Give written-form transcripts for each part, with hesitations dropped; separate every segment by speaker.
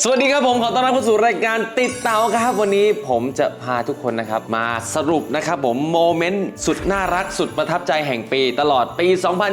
Speaker 1: สวัสดีครับผมขอต้อนรับเข้าสู่รายการติดเตาครับวันนี้ผมจะพาทุกคนนะครับมาสรุปนะครับผมโมเมนต์สุดน่ารักสุดประทับใจแห่งปีตลอดปี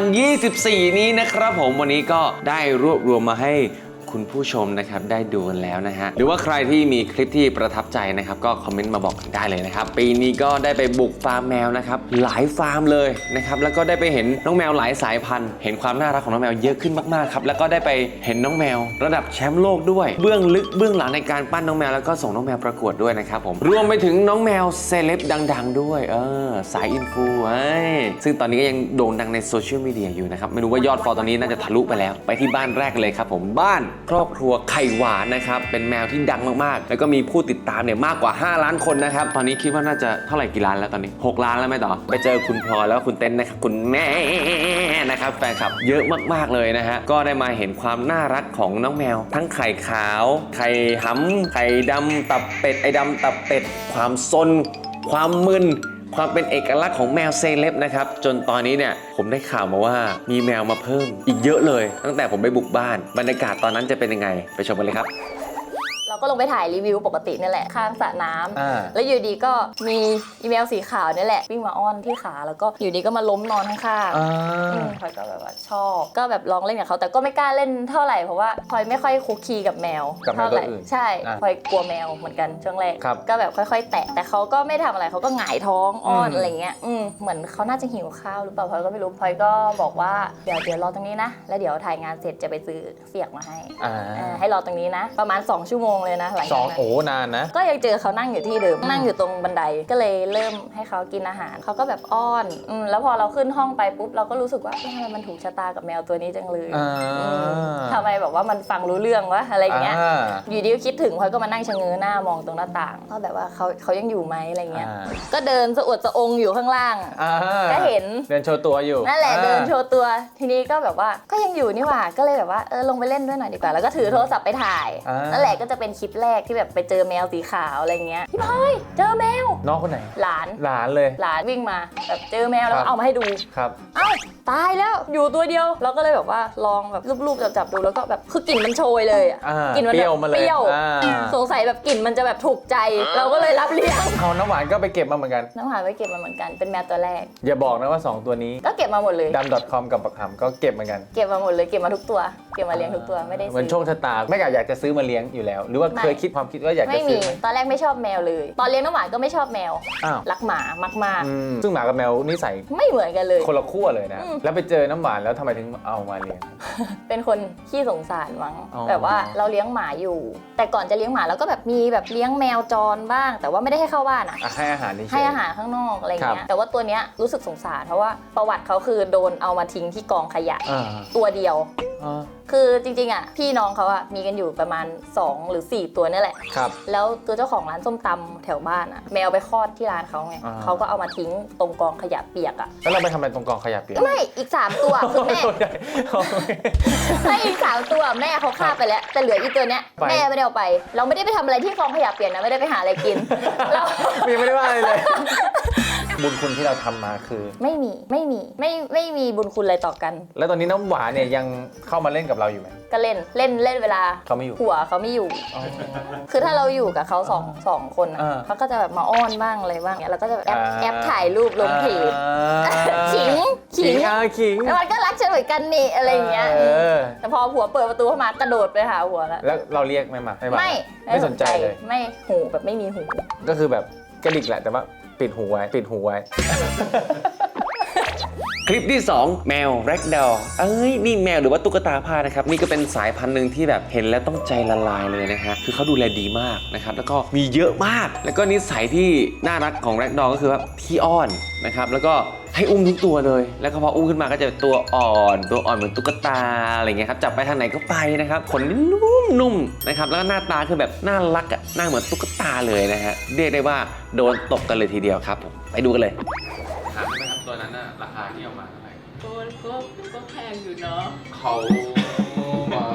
Speaker 1: 2024 นี้นะครับผมวันนี้ก็ได้รวบรวมมาให้คุณผู้ชมนะครับได้ดูกันแล้วนะฮะหรือว่าใครที่มีคลิปที่ประทับใจนะครับก็คอมเมนต์มาบอกกันได้เลยนะครับปีนี้ก็ได้ไปบุกฟาร์มแมวนะครับหลายฟาร์มเลยนะครับแล้วก็ได้ไปเห็นน้องแมวหลายสายพันธุ์เห็นความน่ารักของน้องแมวเยอะขึ้นมากๆครับแล้วก็ได้ไปเห็นน้องแมวระดับแชมป์โลกด้วยเบื้องลึกเบื้องหลังในการปั้นน้องแมวแล้วก็ส่งน้องแมวประกวดด้วยนะครับผมรวมไปถึงน้องแมวเซเลบดังๆด้วยสายอินฟูซึ่งตอนนี้ก็ยังโด่งดังในโซเชียลมีเดียอยู่นะครับไม่รู้ว่ายอดฟอลตอนนี้น่าจะทะลุไปแล้วไปที่บ้านแรกเลยครับผมบ้านครอบครัวไข่หวานนะครับเป็นแมวที่ดังมากๆแล้วก็มีผู้ติดตามเนี่ยมากกว่า5ล้านคนนะครับตอนนี้คิดว่าน่าจะเท่าไหร่กี่ล้านแล้วตอนนี้6ล้านแล้วไหมต่อไปเจอคุณพลอยแล้วคุณเต้นนะครับคุณแม่นะครับแฟนคลับเยอะมากๆเลยนะฮะก็ได้มาเห็นความน่ารักของน้องแมวทั้งไข่ขาวไข่หำไข่ดำตับเป็ดไอ้ดำตับเป็ดความซนความมึนความเป็นเอกลักษณ์ของแมวเซเลบนะครับจนตอนนี้เนี่ยผมได้ข่าวมาว่ามีแมวมาเพิ่มอีกเยอะเลยตั้งแต่ผมไปบุกบ้านบรรยากาศตอนนั้นจะเป็นยังไงไปชมกันเลยครับ
Speaker 2: เราก็ลงไปถ่ายรีวิวปกตินี่แหละข้างสระน้ำแล้วอยู่ดีก็มีอีเมลสีขาวนี่แหละวิ่งมาอ้อนที่ขาแล้วก็อยู่ดีก็มาล้มนอนข้างๆพลอยก็แบบว่าชอบก็แบบลองเล่นกับเขาแต่ก็ไม่กล้าเล่นเท่าไหร่เพราะว่าพลอยไม่ค่อยคุกคีกับแมวเท่าไหร่ใช่พลอยกลัวแมวเหมือนกันช่วงแรกก็แบบค่อยๆแตะแต่เขาก็ไม่ทำอะไรเขาก็หงายท้องอ้อนอะไรเงี้ยเหมือนเขาน่าจะหิวข้าวหรือเปล่าพลอยก็ไม่รู้พลอยก็บอกว่าเดี๋ยวรอตรงนี้นะแล้วเดี๋ยวถ่ายงานเสร็จจะไปซื้อเสียกมาให้รอตรงนี้นะประมาณ2 ชั่วโมงเลยนะหลังจากนั้น
Speaker 3: โอ้นานนะ
Speaker 2: ก็ยังเจอเขานั่งอยู่ที่เดิมนั่งอยู่ตรงบันไดก็เลยเริ่มให้เขากินอาหารเขาก็แบบอ้อนแล้วพอเราขึ้นห้องไปปุ๊บเราก็รู้สึกว่าทำไมมันถูกชะตากับแมวตัวนี้จังเลยทำไมแบบว่ามันฟังรู้เรื่องวะอะไรเงี้ยอยู่ดีก็คิดถึงพลอยก็มานั่งชะเง้อหน้ามองตรงหน้าต่างก็แบบว่าเขายังอยู่ไหมอะไรเงี้ยก็เดินสะอวดสะองอยู่ข้างล่างก็เห็น
Speaker 3: เดินโชว์ตัวอยู่
Speaker 2: นั่นแหละเดินโชว์ตัวทีนี้ก็แบบว่าก็ยังอยู่นี่หว่าก็เลยแบบว่าลงไปเล่นด้วยหน่อยดีกว่าแล้วก็ถือโทรศัพท์ไปถ่ายนั่นแหละก็จะเป็นคลิปแรกที่แบบไปเจอแมวสีขาวอะไรเงี้ยพี่พลอยเจอแมว
Speaker 3: น้องคนไหน
Speaker 2: หลาน
Speaker 3: เลย
Speaker 2: หลานวิ่งมาแบบเจอแมวแล้วเอามาให้ดู
Speaker 3: ครับ
Speaker 2: เอ้าตายแล้วอยู่ตัวเดียวเราก็เลยแบบว่าลองแบบรูปๆจับดูแล้วก็แบบคือกลิ่นมันโชยเลย
Speaker 3: กลิ่นมันเปรี้ยว
Speaker 2: สงสัยแบบกลิ่นมันจะแบบถูกใจเราก็เลยรับเลี้ยง
Speaker 3: เอาน้ำหวานก็ไปเก็บมาเหมือนกัน
Speaker 2: น้ำหวานไปเก็บมาเหมือนกันเป็นแมวตัวแรก
Speaker 3: อย่าบอกนะว่า2ตัวนี้
Speaker 2: ก็เก็บมาหมดเลย
Speaker 3: dam.com กับปักหำก็เก็บเหมือนกัน
Speaker 2: เก็บมาหมดเลยเก็บมาทุกตัวเก็บมาเลี้ยงทุกตัวไม่ได้ซื้อ
Speaker 3: เหมือนโชคชะตาไม่อยากจะซื้อมาเลี้ยงอยู่แล้วหรือว่าเคยคิดความคิดว่าอยากจะซื้อ
Speaker 2: ตอนแรกไม่ชอบแมวเลยตอนเลี้ยงน้ำหวานก็ไม่ชอบแมวรักหมามาก
Speaker 3: ๆซึ่งหมากับแมวนิสัย
Speaker 2: ไม่เหมือนกันเลย
Speaker 3: คนละขั้วเลยนะแล้วไปเจอน้ำหวานแล้วทำไมถึงเอามาเลี้ยง
Speaker 2: เป็นคนขี้สงสารมั้งแบบว่าเราเลี้ยงหมาอยู่แต่ก่อนจะเลี้ยงหมาเราก็แบบมีแบบเลี้ยงแมวจรบ้างแต่ว่าไม่ได้ให้เข้าบ้าน
Speaker 3: ให้อาหาร
Speaker 2: ให้อาหารข้างนอกอะไรเงี้ยแต่ว่าตัวเนี้ยรู้สึกสงสารเพราะว่าประวัติเขาคือโดนเอามาทิ้งที่กองขยะตัวเดียวคือจริงๆพี่น้องเขามีกันอยู่ประมาณ2 หรือ 4 ตัวนี่แหละแล้วตัวเจ้าของร้านส้มตำแถวบ้านแมวไปคลอดที่ร้านเขาไงเขาก็เอามาทิ้งตรงกองขยะเปียก
Speaker 3: แล้วเราไปทำอะไรตรงกองขยะเปียก
Speaker 2: ไม่อีก3 ตัวคือแม่ไม่อีก3 ตัวแม่เขาฆ่าไปแล้วแต่เหลืออีกตัวเนี้ยแม่ไม่ได้เอาไปเราไม่ได้ไปทำอะไรที่กองขยะเปียกนะไม่ได้ไปหาอะไรกินเรา
Speaker 3: ไม่ได้ว่าอะไรเลยบุญคุณที่เราทำมาคือ
Speaker 2: ไม่มีบุญคุณอะไรต่อกัน
Speaker 3: แล้วตอนนี้น้ำหวานเนี่ยยังเข้ามาเล่นกับเราอยู่ไหม
Speaker 2: ก็เล่นเวลา
Speaker 3: เขาไม่อยู่
Speaker 2: หัวเขาไม่อยู่คือถ้าเราอยู่กับเขาสองคนเขาก็จะแบบมาอ้อนบ้างอะไรบ้างเนี่ยเราก็จะแบบแอปถ่ายรูปลงเพจขิงแล้วมันก็รักฉันเหมือนกันนี่อะไรอย่างเงี้ยแต่พอผัวเปิดประตูเข้ามากระโดดไปหาหัว
Speaker 3: แล้วเราเรียกไม่สนใจเลย
Speaker 2: ไม่หูแบบไม่มีหู
Speaker 3: ก็คือแบบกระดิกแหละแต่ว่าปิดหูไว้
Speaker 1: คลิปที่ 2 แมวแร็กดอลนี่แมวหรือว่าตุ๊กตาผ้านะครับนี่ก็เป็นสายพันธุ์หนึ่งที่แบบเห็นแล้วต้องใจละลายเลยนะฮะคือเขาดูแลดีมากนะครับแล้วก็มีเยอะมากแล้วก็นิสัยที่น่ารักของแร็กดอลก็คือว่าขี้อ้อนนะครับแล้วก็ให้อุ้มทุกตัวเลยแล้วก็พออุ้มขึ้นมาก็จะตัวอ่อนเหมือนตุ๊กตาอะไรเงี้ยครับจับไปทางไหนก็ไปนะครับขนนุ่มนะครับแล้วก็หน้าตาคือแบบน่ารักหน้าเหมือนตุ๊กตาเลยนะฮะเรียกได้ว่าโดนตกกันเลยทีเดียวครับผมไปดูกันเลยถามไหมครับตัวนั้นน่ะราคาที่เอามาเท่าไหร่
Speaker 4: ก็แพงอยู่เนาะ
Speaker 1: เขาบอกเกือบ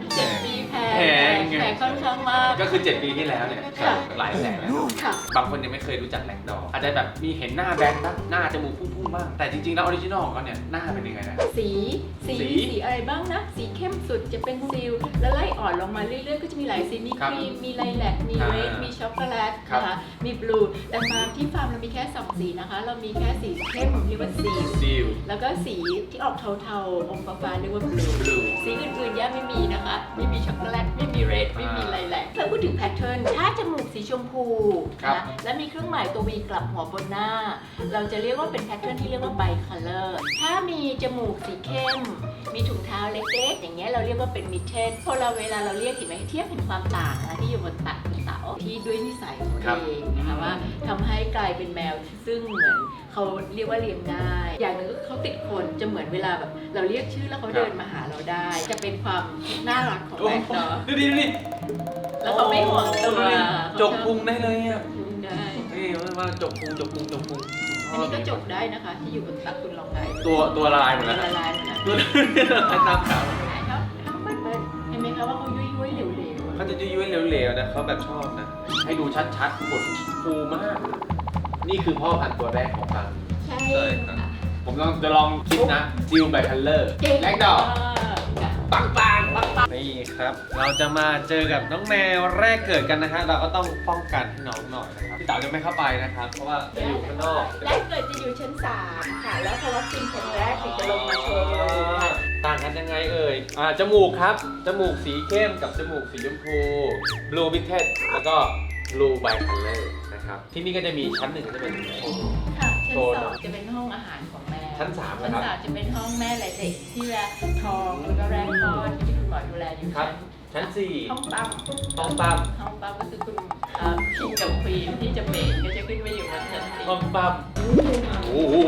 Speaker 2: 7 ปีแพ
Speaker 1: แพง
Speaker 2: ง
Speaker 1: ไง
Speaker 2: แพงค่อนข้างมาก
Speaker 1: ก็คือ 7 ปีที่แล้วเนี่ย
Speaker 2: ค่ะ
Speaker 1: หลายแสนแล้ว
Speaker 2: ค่ะ
Speaker 1: บางคนยังไม่เคยรู้จักแลกดอร์อาจจะแบบมีเห็นหน้าแบนบ้างหน้าจมูกพุ่งๆบ้างแต่จริงๆแล้วออริจินอลของเขาเนี่ยหน้าเป็นยังไงนะ
Speaker 2: สีอะไรบ้างนะ สีเข้มสุดจะเป็นซิลแล้วไล่อ่อนลงมาเรื่อยๆ ก็จะมีหลายสีมี
Speaker 1: ครั
Speaker 2: ค
Speaker 1: บ
Speaker 2: รีมมีไลแลกมีเรดมีช็อกโกแลต
Speaker 1: ครับ
Speaker 2: นะคะมีบลูแต่ฟาร์มที่ฟาร์มเรามีแค่2สีนะคะ เรามีแค่สีเข้มเรียกว่าซิล
Speaker 1: ซิล
Speaker 2: แล้วก็สีที่ออกเทาๆอมฟ้าๆเรียกว่าบลู
Speaker 1: blue
Speaker 2: สีอื่นๆย่าไม่มีนะคะ ไม่มีช็อกโกแลตไม่มีเรดไม่มีไลแลกถ้าพูดถึงแพทเทิร์นถ้าจมูกสีชมพู
Speaker 1: ครับ
Speaker 2: นะและมีเครื่องหมายตัว V กลับหัวบนหน้า เราจะเรียกว่าเป็นแพทเทิร์นที่เรียกว่าไบคัลเลอร์ถ้ามีจมูกสีเข้ม มีถุงเท้าเล็กๆอย่างเงี้ยเราเรียกว่าเป็นมิดเทนพอเราเวลาเราเรียกเห็นไหมเทียบเห็นความต่างนะที่อยู่บนตักเต๋าที่ด้วยนิสัยของ
Speaker 1: ครับ
Speaker 2: เองนะคะว่าทำให้กลายเป็นแมวซึ่งเหมือนเขาเรียกว่าเลี้ยงง่าย อย่างหนึ่งก็คือเขาติดคนจะเหมือนเวลาแบบเราเรียกชื่อแล้วเขาเดินมาหาเราได้ จะเป็นความน่ารักของแมวเนาะ
Speaker 1: ดูดิดูดิ
Speaker 2: แล้วเขาไม่ห่วงตัว
Speaker 1: จกพุงได้เลยอ่ะ
Speaker 2: จุงได้
Speaker 1: นี่ว่าจกพุง
Speaker 2: อันนี้ก็จกได้นะคะ ที่อยู่บนตักคุณลองได้
Speaker 1: ตัวละลายหมดแล้ว
Speaker 2: ละลายหมดแล้ว
Speaker 1: ตัวละลายตามขาว
Speaker 2: ใช่ครับเปิ้ลเห็นไหมคะว่าเขายุ่ยๆเหลวๆ
Speaker 1: เขาจะยุ่ยๆเหลวๆนะเขาแบบชอบนะ ให้ดูชัดๆขนฟูมาก นี่คือพ่อพันธุ์ตัวแรกของฟัง
Speaker 2: ใช่
Speaker 1: ครับผมจะลองคิดนะซิลไบคัลเลอร์แลกดอกปังนี่ครับ เราจะมาเจอกับน้องแมวแรกเกิดกันนะฮะเราก็ต้องป้องกันให้น้องหน่อยนะครับพี่เต๋าจะไม่เข้าไปนะครับ เพราะว่าจะอยู่ข้างนอก
Speaker 2: แรกเกิดจะอยู่ชั้น 3 ค่ะ แล้วพอวัคซีนเข็มแรกถึงจะลงมาโชว์ค่ะ
Speaker 1: ต่างกันยังไงเอ่ยจมูกครับ จมูกสีเข้มกับจมูกสีชมพู blue b i t t e d แล้วก็ blue bicolor นะครับ ที่นี่ก็จะมีชั้น 1 ก็จะเป็นโชว์
Speaker 2: ค่ะ ชั้น
Speaker 1: โชว์
Speaker 2: 2 จะเป็นห้องอาหารของแม่
Speaker 1: ชั้น3
Speaker 2: ชั้น
Speaker 1: นะครับ
Speaker 2: 3 จะเป็นห้องแม่และเด็กที่เวลาท้องแล้วก็แรกคลอดที่คุณหมอดูแลอยู่
Speaker 1: ครับ ชั้น
Speaker 2: ห้องปั๊ม
Speaker 1: 4 ห้องปั๊ม
Speaker 2: ห้องปั๊มก็คือคุณคิงกับควีนที่จะเป็นก็จะขึ้นมาอยู่บนชั้น
Speaker 1: ห้อง
Speaker 2: 4
Speaker 1: ปั๊มโอ้โห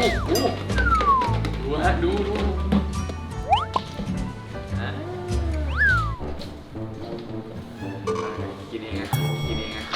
Speaker 1: ดูฮะดูอ่ากินเองอะกินเองอะ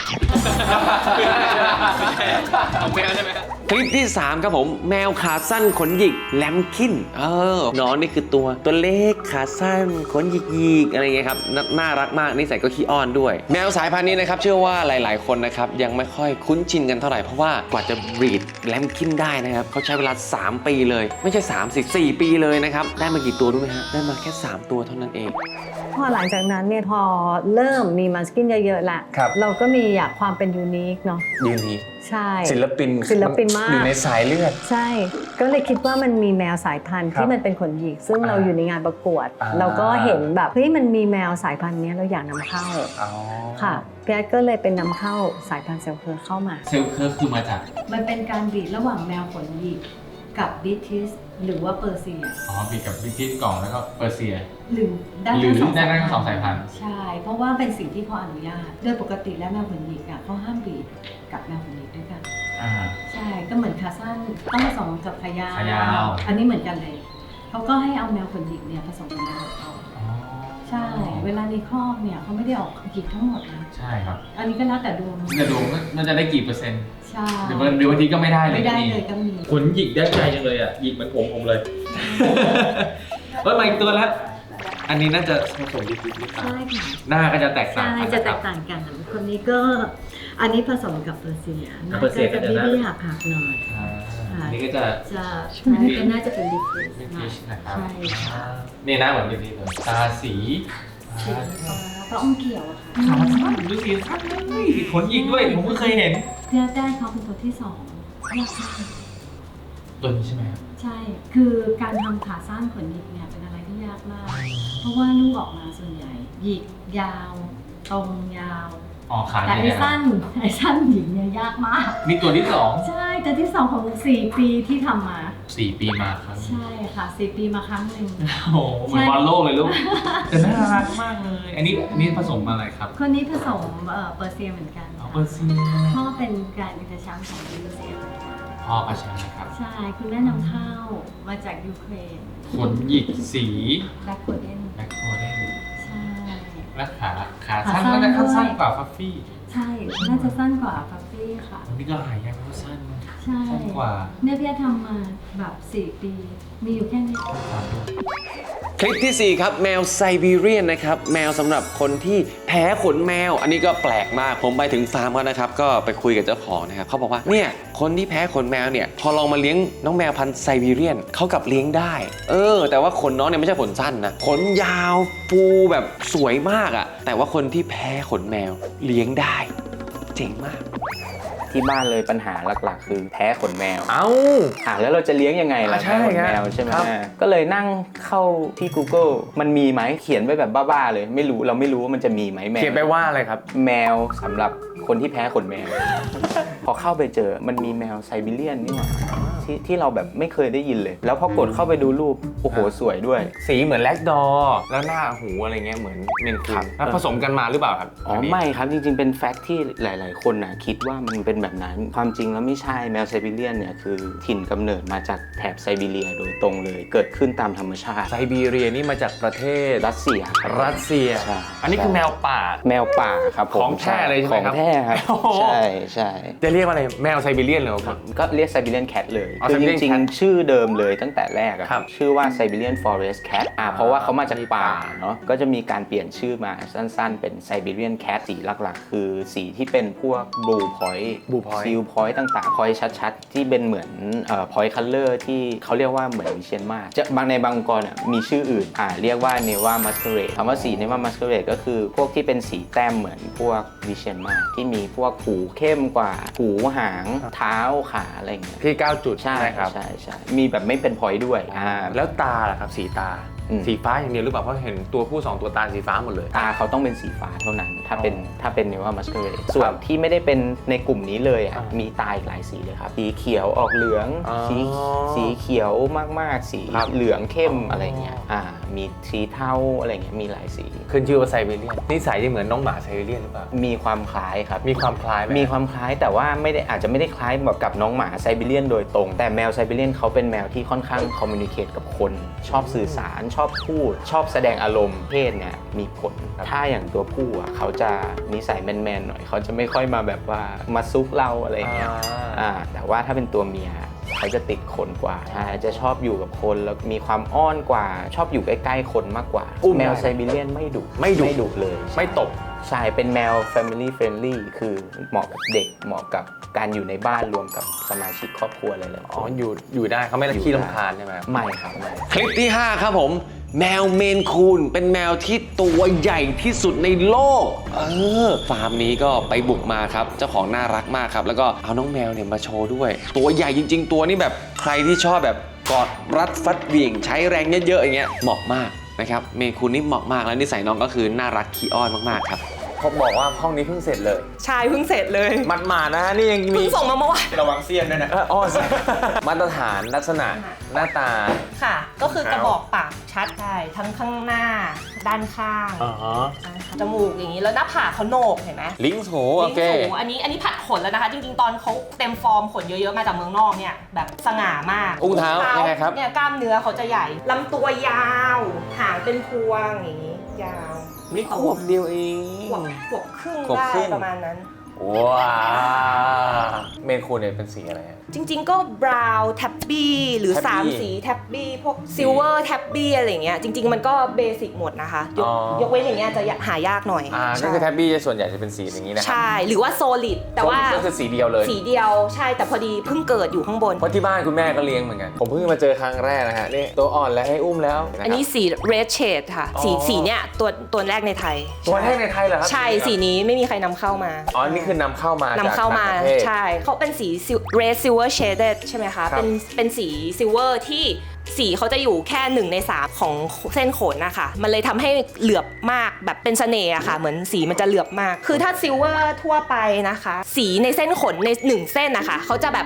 Speaker 1: ของแมวใช่ไหมคลิปที่ 3 ครับผม แมวขาสั้นขนหยิกแลมคินน้องนี่คือตัวเล็กขาสั้นขนหยิกๆอะไรเงี้ยครับน่ารักมากนิสัยก็ขี้อ้อนด้วย แมวสายพันธุ์นี้นะครับเชื่อว่าหลายๆคนนะครับยังไม่ค่อยคุ้นชินกันเท่าไหร่เพราะว่ากว่าจะบรีดแลมคินได้นะครับเขาใช้เวลา 3 ปีเลย ไม่ใช่4 ปีเลยนะครับได้มากี่ตัวรู้ไหมฮะได้มาแค่ 3 ตัวเท่านั้นเอง
Speaker 4: พอหลังจากนั้นเนี่ยพอเริ่มมีมัสกินเยอะๆละ
Speaker 3: ครับ
Speaker 4: เราก็มีอยากความเป็นยูนิคเนาะ
Speaker 3: ยืนนี้
Speaker 4: ใช่
Speaker 3: ศิลปิน
Speaker 4: ศิลปินมาก
Speaker 3: อยู่ในสายเลือด
Speaker 4: ใช่ ก็เลยคิดว่ามันมีแมวสายพันธุ์
Speaker 3: ครับ
Speaker 4: ที่มันเป็นขนหยิก ซึ่งเราอยู่ในงานประกวด เราก็เห็นแบบเฮ้ยมันมีแมวสายพันธุ์เนี้ยเราอยากนำเข้า
Speaker 3: อ๋อ
Speaker 4: ค่ะพี่แอดก็เลยเป็นนำเข้าสายพันธุ์เซลเคอร์เข้ามา
Speaker 1: เซลเคอร์คือมาจาก
Speaker 4: มันเป็นการบีดระหว่างแมวขนหยิกกับบิทิสหรือว่าเปอร์เซีย
Speaker 5: อ๋อบีกับบิทิสกล่องแล้วก็เปอร์เซีย
Speaker 4: หรือได้
Speaker 5: หรือ
Speaker 4: ทั้งสอง
Speaker 5: ได้ทั้งสองสายพันธุ์
Speaker 4: ใช่ เพราะว่าเป็นสิ่งที่เขาอนุญาต โดยปกติแล้วแมวขนหยิกอ่ะเขาห้ามบีดกับแมวขนหยิกด้วยกัน
Speaker 5: อ่า
Speaker 4: ใช่ ก็เหมือนขาสั้นต้องผสมกับขายาว
Speaker 5: ขายาว
Speaker 4: อันนี้เหมือนกันเลย เขาก็ให้เอาแมวขนหยิกเนี่ยผสมกับแมวขนเขา
Speaker 5: อ๋อ
Speaker 4: ใช่ เวลาในครอบเนี่ยเขาไม่ได้ออกหยิกทั้งหมดนะ
Speaker 5: ใช่ครับ
Speaker 4: อันนี้ก็แล้วแต่ดวง
Speaker 5: กระดูกมันจะได้กี่เปอร์เซ็นต์
Speaker 4: ใช่
Speaker 5: หรือว่าบางทีก็ไม่ได้เลย
Speaker 4: ไม่ได้
Speaker 5: ก็มี
Speaker 4: เลยก็มี
Speaker 1: ขนหยิกได้ใจจังเลยอ่ะหยิกเหมือนผมเลยเฮ้ยมาอีกตัวแล้ว อันนี้น่าจะผสมดิบๆหรือเปล่า
Speaker 4: ใช่ค่ะ
Speaker 1: หน้าก็จะแตกต่าง
Speaker 4: ใช่
Speaker 1: กัน
Speaker 4: จะ
Speaker 1: น
Speaker 4: แต
Speaker 1: ครับ
Speaker 4: กต่างกันคนนี้ก็อันนี้ผสมกับเปอร์เซีย
Speaker 1: เปอร์เซียก็
Speaker 4: จะ
Speaker 1: จะ
Speaker 4: บี้
Speaker 1: น่า
Speaker 4: บี้หักหักๆหน่อย
Speaker 5: อ่า
Speaker 1: อันนี้ก็จะ
Speaker 4: จะอันนี้ก็น่าจะเป็นดิฟเฟน
Speaker 5: บิ
Speaker 4: ซ์หน่
Speaker 5: ทิ
Speaker 4: อย
Speaker 5: สนะครับ
Speaker 4: ใช่ค่ะ
Speaker 1: นี่นะเหมือนดิบๆเลย
Speaker 5: ตาสี
Speaker 4: สีฟ้าเพราะอ้อมเขียวอะค่ะ
Speaker 5: ขาสั้นดูสีสั้นเลยขนหยิกด้วยผมก็เคยเห็น
Speaker 4: เพื่อได้เขาเป็นตัวที่สองยากมาก
Speaker 5: ตัวนี้ใช่ไหมครับ
Speaker 4: ใช่ คือการทำขาสั้นขนหยิกเนี่ยเป็นอะไรที่ยากมาก เพราะว่าลูกออกมาส่วนใหญ่ หยิกยาว ตรงยาว
Speaker 5: อ๋อขา
Speaker 4: แต่
Speaker 5: ใหญ่
Speaker 4: ไอ้
Speaker 5: นะ
Speaker 4: สั้นหยิกเนี่ยยากมาก
Speaker 5: นี่ตัวที่สอง
Speaker 4: ใช่แต่ที่สองของ4 ปีที่ทำมา
Speaker 5: 4 ปีมาครับ
Speaker 4: ใช่ค่ะ4 ปีมาครั้งหนึ่ง
Speaker 5: โอ้โหเหมือนบอลโลกเลยลูกแต่น่ารักมากเลย อันนี้ผสมอะไรครับ
Speaker 4: คนนี้ผสมเปอร์เซียเหมือนกัน
Speaker 5: อ๋อ
Speaker 4: ค่ะ
Speaker 5: เปอร์เซีย
Speaker 4: พ่อเป็นการอินเตอร์แชมป์ของยูเซีย
Speaker 5: พ่อกระชังนะครับ
Speaker 4: ใช่ คุณแม่นำเข้ามาจากยูเครน
Speaker 5: ขนหยิกสี
Speaker 4: แบล็กโคเดน
Speaker 5: แบ็คโคเดน
Speaker 4: ใช่
Speaker 5: และขาสั้น
Speaker 4: ขาสั้น
Speaker 5: ก็จะ
Speaker 4: ด้วย
Speaker 5: สั้นกว่าฟัฟฟี่
Speaker 4: ใใช่ น่าจะสั้นกว่าฟัฟฟี่ค่ะ
Speaker 5: อันนี้ก็หายากเพราะสั้น
Speaker 4: ใช่
Speaker 5: สั้นกว่า
Speaker 4: เนี่ยพี่ทำมาแบบ4 ปี มีอยู่แค่นี้
Speaker 1: คลิปที่ 4 ครับแมวไซบีเรียนนะครับแมวสำหรับคนที่แพ้ขนแมว อันนี้ก็แปลกมากผมไปถึงฟาร์มเขานะครับก็ไปคุยกับเจ้าของนะครับเขาบอกว่าเนี่ยคนที่แพ้ขนแมวเนี่ยพอลองมาเลี้ยงน้องแมวพันธุ์ไซบีเรียนเขากลับเลี้ยงได้แต่ว่าขนน้องเนี่ยไม่ใช่ขนสั้นนะขนยาวฟูแบบสวยมากอะแต่ว่าคนที่แพ้ขนแมวเลี้ยงได้เจ๋งมาก
Speaker 3: ที่บ้านเลยปัญหาหลักๆ คือแพ้ขนแมว
Speaker 1: เอ้า
Speaker 3: แล้วเราจะเลี้ยงยังไงล่ะ
Speaker 1: ใช่
Speaker 3: แพ้ขนแมว
Speaker 1: ครับ
Speaker 3: ใช่ไหม
Speaker 1: ครับ
Speaker 3: ก็เลยนั่งเข้าที่ Google มันมีไหมเขียนไว้แบบบ้าๆเลยไม่รู้เราไม่รู้ว่ามันจะมีไหมแมว
Speaker 1: เขียนไปว่าอะไรครับ
Speaker 3: แมวสำหรับคนที่แพ้ขนแมว พอเข้าไปเจอมันมีแมวไซบีเรียนนี่หว่าที่เราแบบไม่เคยได้ยินเลย แล้วพอกดเข้าไปดูรูปโอ้โหสวยด้วย
Speaker 1: สีเหมือนแลกดอแล้วหน้าหูอะไรเงี้ยเหมือนเมนคูนแล้วผสมกันมาหรือเปล่าครับ
Speaker 3: อ๋อไม่ครับจริงๆเป็นแฟกต์ที่หลายๆคนนะคิดว่ามันเป็นแบบนั้นความจริงแล้วไม่ใช่แมวไซบีเรียนเนี่ยคือถิ่นกำเนิดมาจากแถบไซบีเรียโดยตรงเลย เกิดขึ้นตามธรรมชาติ
Speaker 1: ไซบีเรียนี่มาจากประเทศ
Speaker 3: รัสเซียครับ
Speaker 1: รัสเซีย
Speaker 3: ใช่
Speaker 1: อันนี้คือแมวป่า
Speaker 3: แมวป่าครับผม
Speaker 1: ของแท้เลยใช่ไหมครับ
Speaker 3: ของแท้ครับ
Speaker 1: โอ้โห
Speaker 3: ใช่ใช่
Speaker 1: จะเรียกว่าอะไรแมวไซบีเรียนเลยครับ
Speaker 3: ก็เรียกไซบีเรียนแคทเลย
Speaker 1: อ๋อ
Speaker 3: คือจ
Speaker 1: Siberian
Speaker 3: ริง
Speaker 1: Cat
Speaker 3: ๆชื่อเดิมเลยตั้งแต่แรกอะ
Speaker 1: ครับ
Speaker 3: ชื่อว่า Siberian Forest Cat เพราะว่าเขามาจากป่าเนาะก็จะมีการเปลี่ยนชื่อมาสั้นๆเป็น Siberian Cat สีหลักๆ คือสีที่เป็นพวก Blue Point
Speaker 1: Blue Point
Speaker 3: Seal Point ต่างๆ Point ชัดๆ ที่เป็นเหมือนPoint Color ที่เขาเรียกว่าเหมือนวิเชียนมาศจะบางในบางองค์กรมีชื่ออื่นเรียกว่า Neva Masquerade คำว่าสี Neva Masquerade ก็คือพวกที่เป็นสีแต้มเหมือนพวกวิเชียนมาศที่มีพวกหูเข้มกว่าหูหางเท้าขาอะไรอย่างเงี้ย
Speaker 1: ที่9จุด
Speaker 3: ใช่
Speaker 1: ครับ
Speaker 3: ใช่ใช่มีแบบไม่เป็นพอยต์ด้วย
Speaker 1: แล้วตาล่ะครับสีตา สีฟ้าอย่างเดียวหรือเปล่าเพราะเห็นตัวผู้2ตัวตาสีฟ้าหมดเลย
Speaker 3: ตาเขาต้องเป็นสีฟ้าเท่านั้นถ้าเป็นเนว่ามัสเ e อร์ส่วนที่ไม่ได้เป็นในกลุ่มนี้เลยมีตาอีกหลายสีเลยครับสีเขียวออกเหลืองสีเขียวมากๆสีเหลืองเข้มอะไรเงี้ยมีสีเทาอะไรเงี้ยมีหลายสี
Speaker 1: ขึ้นชื่อว่าไซบีเรียนนิสัยจะเหมือนน้องหมาไซบีเรียนหรือเปล่า
Speaker 3: มีความคล้ายครับ
Speaker 1: มีความคล้ายไหม
Speaker 3: มีความคล้ายแต่ว่าอาจจะไม่ได้คล้ายแบบกับน้องหมาไซบีเรียนโดยตรง แต่แมวไซบีเรียนเขาเป็นแมวที่ค่อนข้างคอมมิวนิเคตกับคนชอบสื่อสารชอบพูดชอบแสดงอารมณ์เพศเนี่ยมีผลถ้าอย่างตัวผู้เขาจะนิสัยแมนๆหน่อยเขาจะไม่ค่อยมาแบบว่ามาซุกเราอะไรอย่างเงี้ยแต่ว่าถ้าเป็นตัวเมียเขาจะติดคนกว่าจะชอบอยู่กับคนแล้วมีความอ้อนกว่าชอบอยู่ใกล้ๆคนมากกว่าแมวไซบีเรียนไม่ดุเลย
Speaker 1: ไม่ตบ
Speaker 3: ใช่เป็นแมว family friendly คือเหมาะกับเด็กเหมาะกับการอยู่ในบ้านรวมกับสมาชิกครอบครัวอะไรเลย
Speaker 1: อยู่ได้เขาไม่ขี้รำคาญใช่ไหม
Speaker 3: ไม่ครับไม่
Speaker 1: คลิปที่ 5 ครับผมแมวเมนคูนเป็นแมวที่ตัวใหญ่ที่สุดในโลกฟาร์มนี้ก็ไปบุกมาครับเจ้าของน่ารักมากครับแล้วก็เอาน้องแมวเนี่ยมาโชว์ด้วยตัวใหญ่จริงๆตัวนี้แบบใครที่ชอบแบบกอดรัดฟัดเหวี่ยงใช้แรงเยอะๆอย่างเงี้ยเหมาะมากนะครับเมนคูนนี่เหมาะมากแล้วนิสัยน้องก็คือน่ารักขี้อ้อนมากๆครับเขาบอกว่าห้องนี้เพิ่งเสร็จเลย
Speaker 2: ใช่เพิ่งเสร็จเลย
Speaker 1: หมาดๆนะนี่ยังมี
Speaker 2: เพิ่งส่งมาเมื่อวาน
Speaker 3: ระวังเสี้ยนด้วยนะ
Speaker 1: มาตรฐานลักษณะหน้าตา
Speaker 2: ค่ะ ก็คือกระบอกปากชัดใช่ทั้งข้างหน้าด้านข้างจมูกอย่างนี้แล้วหน้าผากเขาโหนกเห็นไหม
Speaker 1: ลิ้นโถโอ
Speaker 2: ลิ้น
Speaker 1: เค
Speaker 2: สูงอันนี้ผัดขนแล้วนะคะ จริงๆ ตอนเขาเต็มฟอร์มขนเยอะๆ มาจากเมืองนอกเนี่ยแบบสง่ามาก
Speaker 1: อุ้งเท้ายังไงครับ
Speaker 2: เนี่ยกล้ามเนื้อเขาจะใหญ่ลำตัวยาวหางเป็นพวงอย่างนี้ยาว
Speaker 1: นี่ขวบเดียวเอง
Speaker 2: ขวบครึ่ง
Speaker 1: ขวบ
Speaker 2: ได้
Speaker 1: ครึ่ง
Speaker 2: ประมาณนั้น
Speaker 1: ว้าวเมนคูนเนี่ยเป็นสีอะไร
Speaker 2: จริงๆ ก็บราวน์แท็บบี้หรือ
Speaker 1: Tabby
Speaker 2: 3 สีแท็บบี้พวกซิลเวอร์แท็บบี้อะไรอย่างเงี้ยจริงๆ มันก็เบสิกหมดนะคะยกเว้นอย่างเงี้ยจะหายากหน่อย
Speaker 1: ก็คือแท็บบี้ส่วนใหญ่จะเป็นสีอย่างนี้นะครั
Speaker 2: ใช่หรือว่าโซลิดแต่ว่า
Speaker 1: ก็คือสีเดียวเลย
Speaker 2: สีเดียวใช่แต่พอดีเพิ่งเกิดอยู่ข้างบน
Speaker 1: เพราะที่บ้านคุณแม่ก็เลี้ยงเหมือนกันผมเพิ่งมาเจอครั้งแรกนะฮะนี่ตัวอ่อนแล้วให้อุ้มแล้วะครับ
Speaker 2: อันนี้สี red shade ค่ะ สีเนี้ยตัวแรกในไทย
Speaker 1: ตัวแรกในไทยเหรอครับ
Speaker 2: ใช่สีนี้ไม่มีใครนำเข้ามา
Speaker 1: อ๋อนี่คือนำเข้ามาจาก
Speaker 2: นำเข้ามา
Speaker 1: ต่งประเทศ
Speaker 2: ใช่เขาเป็นสี red silver shaded ใช่ไหมคะ
Speaker 1: ครับ
Speaker 2: เป็นสี silver ที่สีเขาจะอยู่แค่1 ใน 3ของเส้นขนนะคะมันเลยทำให้เหลือบมากแบบเป็นเสน่ห์อะค่ะเหมือนสีมันจะเหลือบมาก คือถ้าซิลเวอร์ทั่วไปนะคะ สีในเส้นขนใน1เส้นนะคะเขาจะแบบ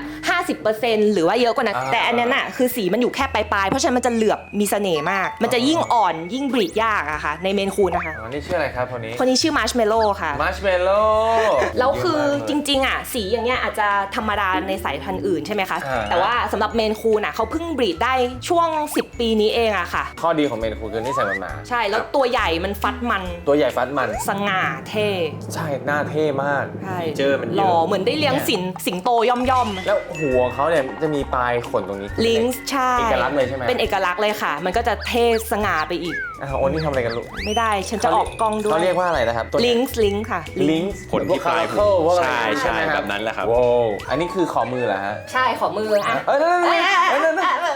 Speaker 2: 50% หรือว่าเยอะกว่านั้นแต่อันนั้นอะคือสีมันอยู่แค่ปลายๆเพราะฉะนั้นมันจะเหลือบมีเสน่ห์มาก มันจะยิ่งอ่อนยิ่งบรีดยากอะค่ะในเมนคูนนะคะ
Speaker 1: อ๋อนี่ชื่ออะไรครับคนนี้
Speaker 2: คนนี้ชื่อมาร์ชเมลโล่ค่ะ
Speaker 1: มาร์ชเมลโล่
Speaker 2: แล้วคือจริงๆอ่ะสีอย่างเงี้ยอาจจะธรรมดาในสายพันธุ์อื่นใช่ไหมคะแต่ว่าสำหรับเมนคูนอ่ะเขาเพิ่งบรีดได้
Speaker 6: ช่วง 10 ปีนี้เองอะค่ะ
Speaker 1: ข้อดีของเมนคูคือนิสัยมันมา
Speaker 6: ใช่แล้วตัวใหญ่มันฟัดมัน
Speaker 1: ตัวใหญ่ฟัดมัน
Speaker 6: สง่าเท่
Speaker 1: ใช่หน้าเท่มาก
Speaker 6: ใช่
Speaker 3: เจอมันเย
Speaker 6: หล่อ
Speaker 3: อะ
Speaker 6: เหมือนได้เลี้ยงสิงโตย่อม
Speaker 1: แล้วหัวเขาเนี่ยจะมีปลายขนตรงนี้
Speaker 6: ลิงส์ใช่
Speaker 1: เอกลักษณ์เลยใช่ไหม
Speaker 6: เป็นเอกลักษณ์เลยค่ะ มันก็จะเท่สง่าไปอีก
Speaker 1: โอ้นี่ทำอะไรกันลูก
Speaker 6: ไม่ได้ฉันจะออกกล้องด้วย
Speaker 1: เขาเรียกว่าอะไรนะครับ
Speaker 6: ลิงส์ค่ะ
Speaker 1: ลิงส์
Speaker 7: ขนที่ปลายผม
Speaker 1: พวกอะไร
Speaker 7: ใช่
Speaker 1: ไหม
Speaker 7: แบบนั้นแหละครับ
Speaker 1: ว้าวอันนี้คือขอมือเหรอฮะ
Speaker 2: ใช่ขอมืออ่ะ
Speaker 1: เอ้ยนั่นนั่น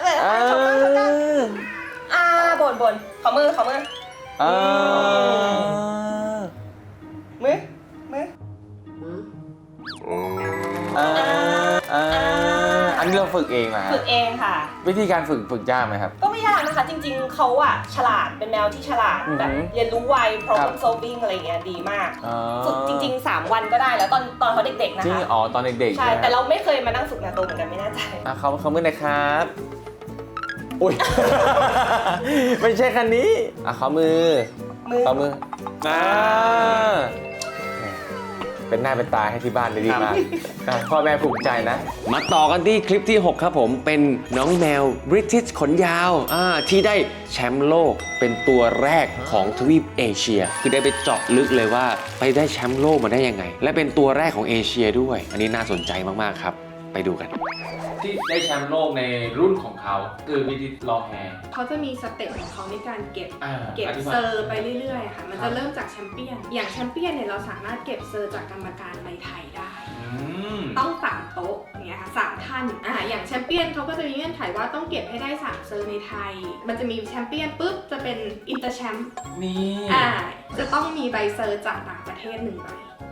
Speaker 2: บ่นขอมือมือ
Speaker 1: อันนี้เราฝึกเองนะ
Speaker 6: ฝึกเองค่ะ
Speaker 1: วิธีการฝึกยากไหมครับ
Speaker 6: ก็ไม่ยากนะคะ จริงๆเขาอะฉลาดเป็นแมวที่ฉลาด
Speaker 1: อือหือ
Speaker 6: แบบเรียนรู้ไว
Speaker 1: ครั
Speaker 6: problem
Speaker 1: บ
Speaker 6: solving อะไรเงี้ยดีมาก
Speaker 1: อ๋อ
Speaker 6: ฝึกจริงๆ 3 วันก็ได้แล้วตอนเขาเด็กๆนะ
Speaker 1: จริง
Speaker 6: คะ
Speaker 1: อ๋อตอนเด็กๆ
Speaker 6: ใช่
Speaker 1: ไหม
Speaker 6: แต่เราไม่เคยมานั่งฝึกนาโตเหมือนกันไม่แน่ใจ
Speaker 1: เขามือหน่อยครับอุ้ย ไม่ใช่คันนี้เขามือเขามือเป็นหน้าเป็นตาให้ที่บ้านได้ดีมากพ่อแม่ภูมิใจนะ มาต่อกันที่คลิปที่ 6 ครับผมเป็นน้องแมวบริติชขนยาวที่ได้แชมป์โลกเป็นตัวแรกของทวีปเอเชีย คือได้ไปเจาะลึกเลยว่าไปได้แชมป์โลกมาได้ยังไง และเป็นตัวแรกของเอเชียด้วย อันนี้น่าสนใจมากๆครับไปดูกัน ที่ได้แชมป์โลกในรุ่นของเขาคือวิธีลองแฮร์
Speaker 8: เขาจะมีสเต็ปของเขาในการเก็บ
Speaker 1: อธิบาย
Speaker 8: เซอร์ไปเรื่อยๆค่ะ มันจะเริ่มจากแชมเปี้ยน อย่างแชมเปี้ยนเนี่ยเราสามารถเก็บเซอร์จากกรรมการในไทยได้ ต้อง3โต๊ะอย่างเงี้ยค่ะ3ท่านอย่างแชมเปี้ยนเขาก็จะมีเงื่อนไขว่าต้องเก็บให้ได้3เซอร์ในไทย มันจะมีแชมเปี้ยนปุ๊บจะเป็นอินเตอร์แชมป์
Speaker 1: นี่
Speaker 8: จะต้องมีใบเซอร์จากต่างประเทศ1ใบ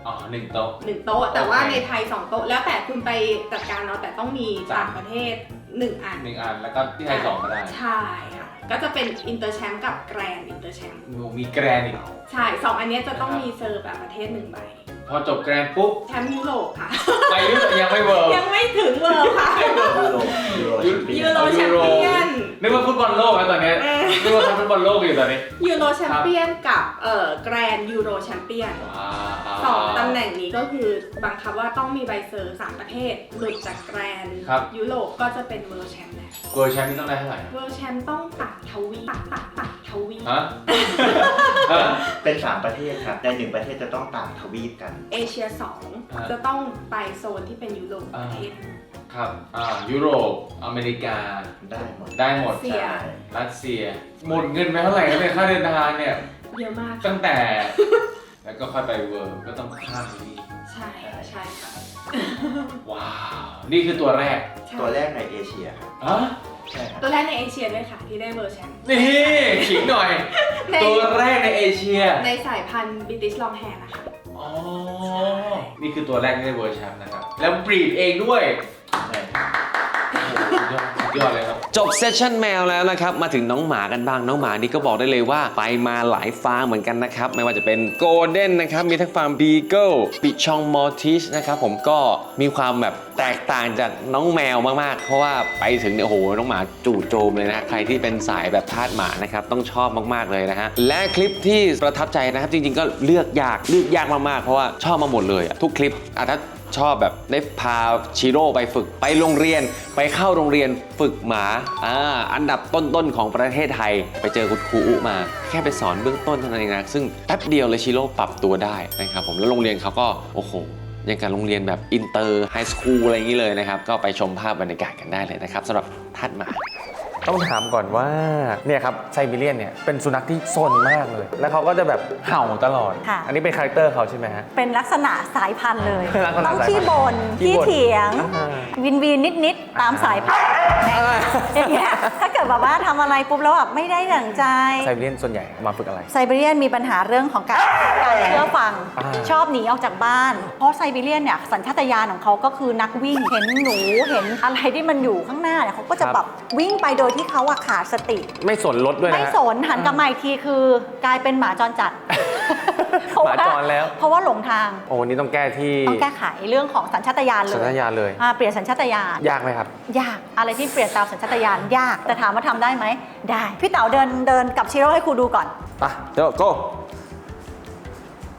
Speaker 1: 1 โต๊ะ
Speaker 8: 1 โต๊ะ แต่ว่า
Speaker 1: โอเค
Speaker 8: ในไทย 2 โต๊ะ แล้วแต่คุณไปจัดการเนาะแต่ต้องมีต่างประเทศ 1 อัน
Speaker 1: 1 อันแล้วก็ที่ไทย2ก็ได้
Speaker 8: ใช่ค่ะ ก็จะเป็นอินเตอร์แชมป์กับแกรนด์อินเตอร์แชมป์
Speaker 1: มีแกรนด์อีก
Speaker 8: ใช่2อันเนี้ยจะต้องมีเซอร์แบบประเทศ1ใบ
Speaker 1: พอจบแกรนด์ปุ๊บ
Speaker 8: แชมป์ยุโรปค่ะ
Speaker 1: ไปยุโรปยังไม่เวิร์
Speaker 8: ยังไม่ถึงเวิร์ค่ะ ยูโรแชมเปี้ยน
Speaker 1: นึกว่าฟุตบอลโลกแล้วตอนนี้นึกว่าทำฟุตบอลโลกอยู่ตอนนี้
Speaker 8: ยูโรแชมเปี้ยนกับแกรนด์ยูโรแชมเปี้ยน2ตำแหน่งนี้ก็คือบังคับว่าต้องมีใบเซอร์3ประเทศหลุดจากแกรนด์ยุโรปก็จะเป็นเวิร์แชมป์แล้ว
Speaker 1: เวิร์แชมป์นี่ต้องได้เท่าไหร่
Speaker 8: เวิร์แชมป์ต้องตัดทวีปตัดทวีป
Speaker 1: ฮะ
Speaker 7: เป็น 3 ประเทศครับ ใน 1 ประเทศจะต้องต่างทวีปกัน
Speaker 8: เอเชีย2จะต้องไปโซนที่เป็นยุโรปประเทศ
Speaker 1: ครับยุโรปอเมริกา
Speaker 7: ได้หมด
Speaker 1: ได้หมด
Speaker 8: เสีย
Speaker 1: รัสเซียหมดเงินไปเท่าไหร่ครับเนี่ยค่าเดินทางเนี่ย
Speaker 8: เยอะมาก
Speaker 1: ตั้งแต่ แล้วก็ค่อยไปเวิร์ก็ต้องข้ามนี่
Speaker 8: ใช่ค่ะ
Speaker 1: ว้าว นี่คือตัวแรก
Speaker 8: ใช่
Speaker 7: ตัวแรกในเอเชียครับ
Speaker 1: ฮะ
Speaker 7: ใช่ครับ
Speaker 8: ตัวแรกในเอเชียด้วยค่ะที่ได้เวิร์แชมป์
Speaker 1: นี่ขิงหน่อย
Speaker 8: ใน
Speaker 1: ตัวแรกในเอเชีย
Speaker 8: ในสายพันธุ์บิติชลองแฮร์นะคะ
Speaker 1: อ๋อ นี่คือตัวแรกที่ได้เวอร์ชันนะครับ แล้วบรีดเองด้วย
Speaker 7: ใช่ครับ
Speaker 1: สุดยอดเลยครับ จบเซสชั่นแมวแล้วนะครับ มาถึงน้องหมากันบ้าง น้องหมานี่ก็บอกได้เลยว่าไปมาหลายฟาร์มเหมือนกันนะครับ ไม่ว่าจะเป็นโกลเด้นนะครับ มีทั้งฟาร์มบีเกิลปิชองมอร์ทิชนะครับผมก็มีความแบบแตกต่างจากน้องแมวมากๆ เพราะว่าไปถึงเนี่ยโอ้โหน้องหมาจู่โจมเลยนะ ใครที่เป็นสายแบบทาสหมานะครับต้องชอบมากๆเลยนะฮะ และคลิปที่ประทับใจนะครับจริงๆก็เลือกยากมากๆเพราะว่าชอบมาหมดเลยอะทุกคลิปถ้าชอบแบบได้พาชิโร่ไปฝึกไปโรงเรียนไปเข้าโรงเรียนฝึกหมาอันดับต้นๆของประเทศไทยไปเจอคุณครูอุมาแค่ไปสอนเบื้องต้นเท่านั้นเองนะซึ่งแป๊บเดียวเลยชิโร่ปรับตัวได้นะครับผมแล้วโรงเรียนเขาก็โอ้โหยังกับโรงเรียนแบบอินเตอร์ไฮสคูลอะไรอย่างนี้เลยนะครับก็ไปชมภาพบรรยากาศกันได้เลยนะครับสำหรับทาสหมาต้องถามก่อนว่าเนี่ยครับไซบีเรียนเนี่ยเป็นสุนัขที่ซนมากเลย แล้วเขาก็จะแบบเห่าตลอด
Speaker 9: ค่ะ
Speaker 1: อันนี้เป็นคาแรคเตอร์เขาใช่ไหมฮะ
Speaker 9: เป็นลักษณะสายพันธุ์เลย
Speaker 1: ลักษณะ
Speaker 9: ต้อง
Speaker 1: สายพันธุ์
Speaker 9: ขี้บ่น
Speaker 1: ขี้
Speaker 9: ขี้
Speaker 1: บ่น
Speaker 9: เถียง
Speaker 1: อ่า
Speaker 9: วินนิดตามสายพันธุ์อย่างเงี้ยถ้าเกิดแบบว่าทำอะไรปุ๊บแล้วแบบไม่ได้ดั่งใจ
Speaker 1: ไซบีเรียนส่วนใหญ่มาฝึกอะไร
Speaker 9: ไซบีเรียนมีปัญหาเรื่องของการเชื่อฟัง ชอบหนีออกจากบ้าน เพราะไซบีเรียนเนี่ยสัญชาตญาณของเขาก็คือนักวิ่ง เห็นหนูเห็นอะไรที่มันอยู่ข้างหน้าเนี่ยเขาก็จะแบบวิ่งไปโดยที่เขาอะขาดสติ
Speaker 1: ไม่สนรถด้วยนะ
Speaker 9: ไม่สนหันกลับมาอีกทีคือกลายเป็นหมาจรจัด
Speaker 1: หมาจรแล้ว
Speaker 9: เพราะว่าหลงทาง
Speaker 1: โอ้นี่ต้องแก้ที่
Speaker 9: ต้องแก้ไขเรื่องของสัญชาตญาณเลย
Speaker 1: สัญชาตญาณเลย
Speaker 9: เปลี่ยนสัญชาตญาณ
Speaker 1: ยากไหมครับ
Speaker 9: ยากอะไรที่เปลี่ยนตามสัญชาตญาณยากแต่ถามว่าทำได้ไหมได้พี่เต๋าเดินกับชิโร่ให้ครูดูก่อน
Speaker 1: อ่ะเดี๋ยว go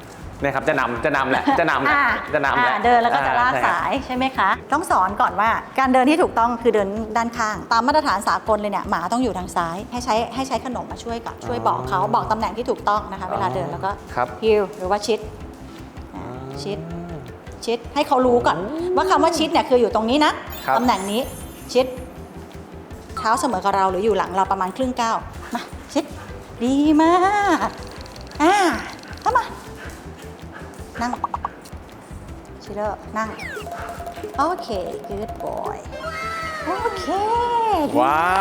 Speaker 1: นะครับจะนำแหละจะนำแหละจะนำแหละ
Speaker 9: เดินแล้วก็จะลาก
Speaker 1: ใช่ครับ
Speaker 9: สายใช่ไหมคะ ต้องสอนก่อนว่าการเดินที่ถูกต้องคือเดินด้านข้าง ตามมาตรฐานสากลเลยเนี่ยหมาต้องอยู่ทางซ้าย ให้ใช้ขนมมาช่วยกับช่วยบอกเขาบอกตำแหน่งที่ถูกต้องนะคะ เวลาเดินแล้วก็
Speaker 1: ครับ
Speaker 9: ฮิลหรือว่าชิดชิดให้เขารู้ก่อนว่าคำว่าชิดเนี่ยคืออยู่ตรงนี้นะครับ ตำแหน่งนี้ชิดเท้าเสมอกับเราหรืออยู่หลังเราประมาณครึ่งก้าวมาชิดดีมากเข้ามานั่งชิลเลอร์นั่งโอเค good boy โอเค
Speaker 1: ว้าว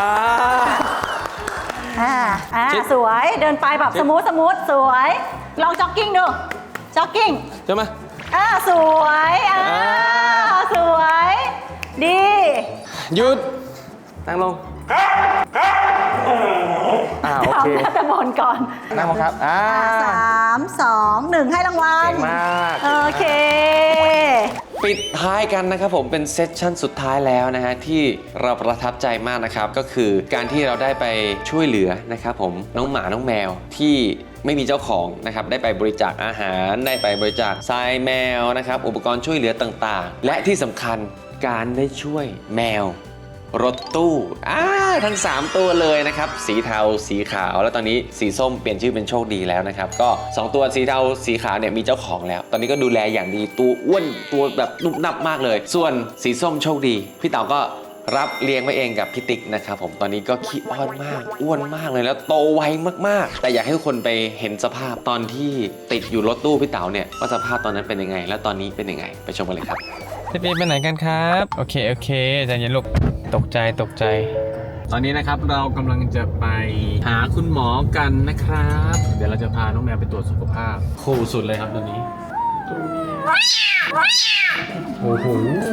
Speaker 1: ชิด
Speaker 9: สวยเดินไปแบบสมูทสวยลองจ็อกกิ้งดูจ็อกกิ้ง
Speaker 1: ใช่ไหม
Speaker 9: สวยสวยดี
Speaker 1: หยุดนั่งลงโอเค
Speaker 9: ทำแต่บอลก่อน
Speaker 1: นั่งลงครับ
Speaker 9: 3 2 1 ให้รางวัล
Speaker 1: เก่งมาก
Speaker 9: โอเค
Speaker 1: ปิดท้ายกันนะครับผมเป็นเซสชั่นสุดท้ายแล้วนะฮะที่เราประทับใจมากนะครับก็คือการที่เราได้ไปช่วยเหลือนะครับผมน้องหมาน้องแมวที่ไม่มีเจ้าของนะครับได้ไปบริจาคอาหารได้ไปบริจาคทรายแมวนะครับอุปกรณ์ช่วยเหลือต่างๆและที่สำคัญการได้ช่วยแมวรถตู้ทั้ง3ตัวเลยนะครับสีเทาสีขาวแล้วตอนนี้สีส้มเปลี่ยนชื่อเป็นโชคดีแล้วนะครับก็2ตัวสีเทาสีขาวเนี่ยมีเจ้าของแล้วตอนนี้ก็ดูแลอย่างดีตัวอ้วนตัวแบบนุ่มนับมากเลยส่วนสีส้มโชคดีพี่เต๋าก็รับเลี้ยงไว้เองกับพี่ติ๊กนะครับผมตอนนี้ก็ขี้อ้อนมากอ้วนมากเลยแล้วโตไวมากๆแต่อยากให้ทุกคนไปเห็นสภาพตอนที่ติดอยู่รถตู้พี่เต๋าเนี่ยว่าสภาพตอนนั้นเป็นยังไงแล้วตอนนี้เป็นยังไงไปชมกันเลยครับ
Speaker 5: พี่ไปไหนกันครับโอเคใจเย็นลูกตกใจตอนนี้นะครับเรากำลังจะไปหาคุณหมอกันนะครับเดี๋ยวเราจะพาน้องแมวไปตรวจสุขภาพคู่สุดเลยครับตอนนี้โอ้โห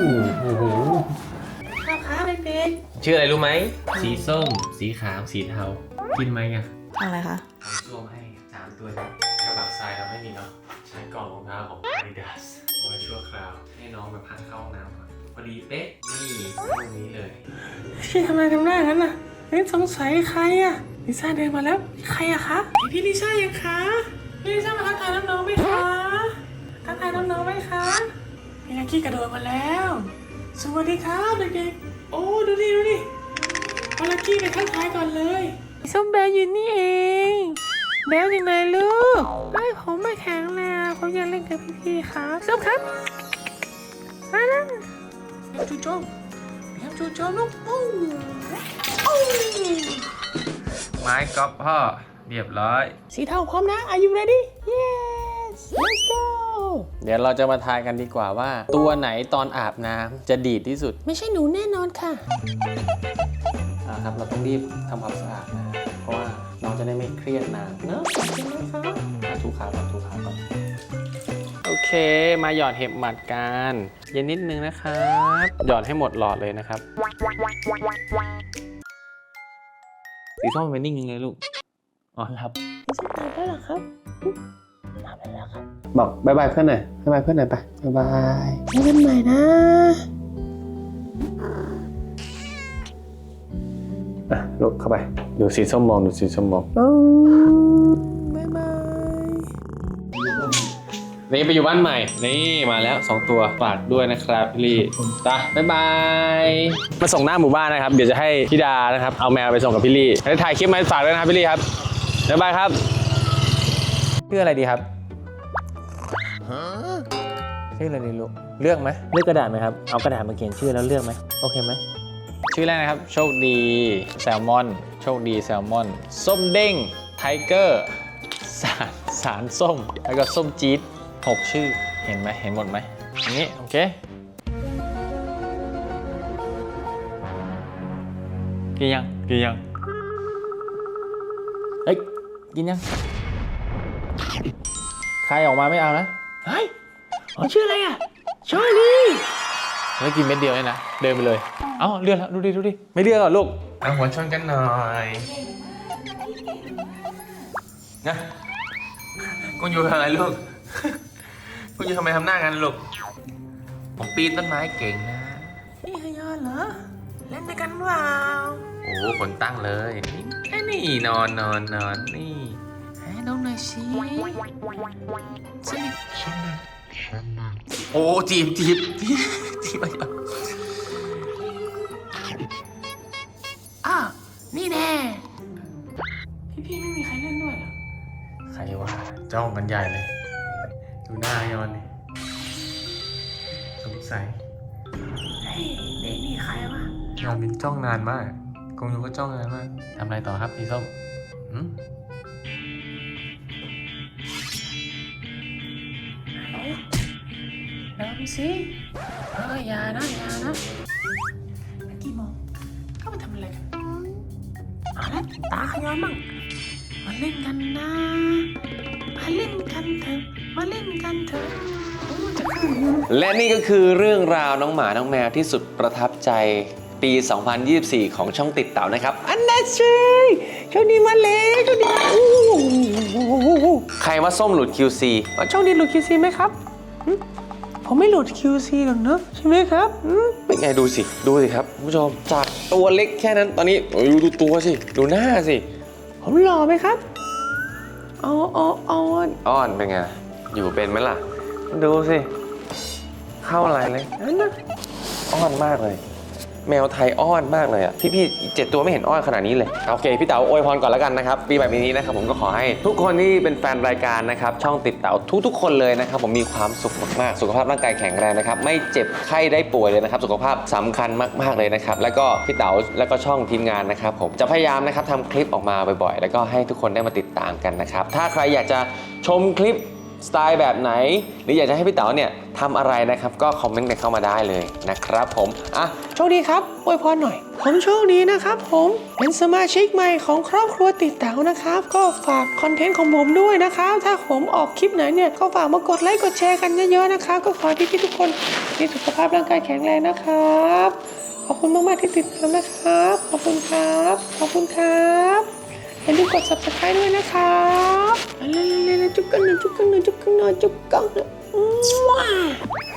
Speaker 5: ชื่ออะไรรู้ไหมสีส้มสีขาวสีเทากินไหมอ่ะ
Speaker 9: อะไรคะ
Speaker 5: เอาส้วมให้3ตัวนี้กระบะทรายเราไม่มีเนาะใช้กล่องรองเท้าของ Adidas เอาไว้ชั่วคราวให้น้องมาพักเข้าห้องน้ำก่อนพอดีเป๊ะนี่ตรงนี้เลย
Speaker 10: พี่ทำไมทำหน้างั้นน่ะสงสัยใครอะลิซ่าเดินมาแล้วใครอะคะพี่ลิซ่ายังคะพี่ลิซ่ามาทักทายน้องๆไหมคะทักทายน้องๆไหมคะพี่ลักกี้กระโดดมาแล้วสวัสดีครับเด็กๆโอ้ดูดิเอาลักกี้ไปทักทายก่อนเลยส้มแบลอยู่นี่เองแบลยังไงลูกผมไม่แข็งแรงผมอยากเล่นกับพี่ๆครับส้มครับมาแล้วจูโจมลูก
Speaker 5: ไม้ก๊อฟพ่อเรียบร้อย
Speaker 10: สีเทาพร้อมนะ Are you ready Yes Let's go
Speaker 5: เดี๋ยวเราจะมาทายกันดีกว่าว่าตัวไหนตอนอาบน้ำจะดีดที่สุด
Speaker 10: ไม่ใช่หนูแน่นอนค่ะ
Speaker 1: ครับเราต้องรีบทำความสะอาดนะเพราะว่าน้องจะได้ไม่เครียดนานเนอะถูขาก่อนโอเคมาหยอดเห็บหมัดกันเย็นนิดนึงนะครับหยอดให้หมดหลอดเลยนะครับสีส้มเป็นนิ่งเลยลูกอ๋อครับได้แล้วครับบอกบายบายเพื่อนหน่อยบายบายเพื่อนหน่อยไปบายบายเจอกันใหม่นะลูกเข้าไปดูสีส้มมองบายบายนี่ไปอยู่บ้านใหม่นี่มาแล้ว2ตัวฝากด้วยนะครับพี่ลี่จ้ะบ๊ายบายมาส่งหน้าหมู่บ้านนะครับเดี๋ยวจะให้พี่ดานะครับเอาแมวไปส่งกับพี่ลี่ให้ถ่ายคลิปมาฝากด้วยนะครับพี่ลี่ครับบ๊ายบายครับชื่ออะไรดีครับชื่ออะไรดีลูกเลือกไหมเลือกกระดาษไหมครับเอากระดาษมาเขียนชื่อแล้วเลือกไหมโอเคไหมชื่อแรกนะครับโชคดีแซลมอนโชคดีแซลมอนส้มเด้งไทเกอร์สารส้มแล้วก็ส้มจี๊ด6 ชื่อเห็นไหมเห็นหมดไหมอย่างนี้โอเคกินยังเฮ้ยกินยังใครออกมาไม่เอานะเฮ้ยชื่ออะไรอ่ะชอรี่ไม่กินเม็ดเดียวเลยนะเดินไปเลยเอ้าเลือกแล้วดูดิไม่เลือกหรอลูกเอาหัวชนกันหน่อยนะกูอยู่ทำอะไรลูกกูอยู่ทำไมทำหน้ากันลูกผมปีนต้นไม้เก่งนะ
Speaker 10: นี่ฮยอนเหรอ เล่นด้วยกันเปล่า
Speaker 5: โอ้คนตั้งเลยนี่นอนนี่น
Speaker 10: น้องหน่อยสิสนิทโอ้จีบไปก่อนอ้าวนี่แน่พี่ไม่มีใครเล่นด้วยเหรอใครวะจ้องกันใหญ่เลยดูหน้ายอนนี่สงสัยเฮ้ยนี่ใครวะยอนมินจ้องนานมากกงยูก็จ้องนานมากทำอะไรต่อครับพี่ส้มน้ำสิอย่านะเมื่อกี้มองเข้ามาทำอะไรกันเอาละตาขย้อนมั่งมาเล่นกันนะมาเล่นกันเถอะ
Speaker 1: และนี่ก็คือเรื่องราวน้องหมาน้องแมวที่สุดประทับใจปี 2024 ของช่องติดเต่านะครับอันนั้นใช่ช่วงนี้มาเลยช่วงนี้ใครว่าส้มหลุด QC ช่วงนี้หลุด QC ไหมครับผมไม่หลุด QC หรอกเนอะใช่ไหมครับเป็นไงดูสิครับคุณผู้ชมจากตัวเล็กแค่นั้นตอนนี้ดูตัวสิดูหน้าสิผมหล่อไหมครับอ้อนเป็นไงอยู่เป็นไหมล่ะดูสิเข้าอะไรเลยนั่นนะอ้อนมากเลยแมวไทยอ้อนมากเลยอ่ะพี่7 ตัวไม่เห็นอ้อนขนาดนี้เลยโอเคพี่เต๋าอวยพรก่อนแล้วกันนะครับปีใหม่ปีนี้นะครับผมก็ขอให้ทุกคนที่เป็นแฟนรายการนะครับช่องติดเต๋าทุกคนเลยนะครับผมมีความสุขมากๆสุขภาพร่างกายแข็งแรงนะครับไม่เจ็บไข้ได้ป่วยเลยนะครับสุขภาพสำคัญมากๆเลยนะครับแล้วก็พี่เต๋าแล้วก็ช่องทีมงานนะครับผมจะพยายามนะครับทำคลิปออกมาบ่อยๆแล้วก็ให้ทุกคนได้มาติดตามกันนะครับถ้าใครอยากจะชมคลิปสไตล์แบบไหนหรืออยากจะให้พี่เต๋าเนี่ยทำอะไรนะครับก็คอมเมนต์กันเข้ามาได้เลยนะครับผมโชคดีครับอวยพรหน่อยผมโชคดีนะครับผมเป็นสมาชิกใหม่ของครอบครัวติดเต๋านะครับก็ฝากคอนเทนต์ของผมด้วยนะครับถ้าผมออกคลิปไหนเนี่ยก็ฝากมากดไลค์กดแชร์กันเยอะๆนะครับก็ขอให้พี่ๆทุกคนมีสุขภาพร่างกายแข็งแรงนะครับขอบคุณมากๆที่ติดตามนะครับขอบคุณครับอย่าลืมกด subscribe ด้วยนะครับเร็วๆจุ๊บกันหน่อย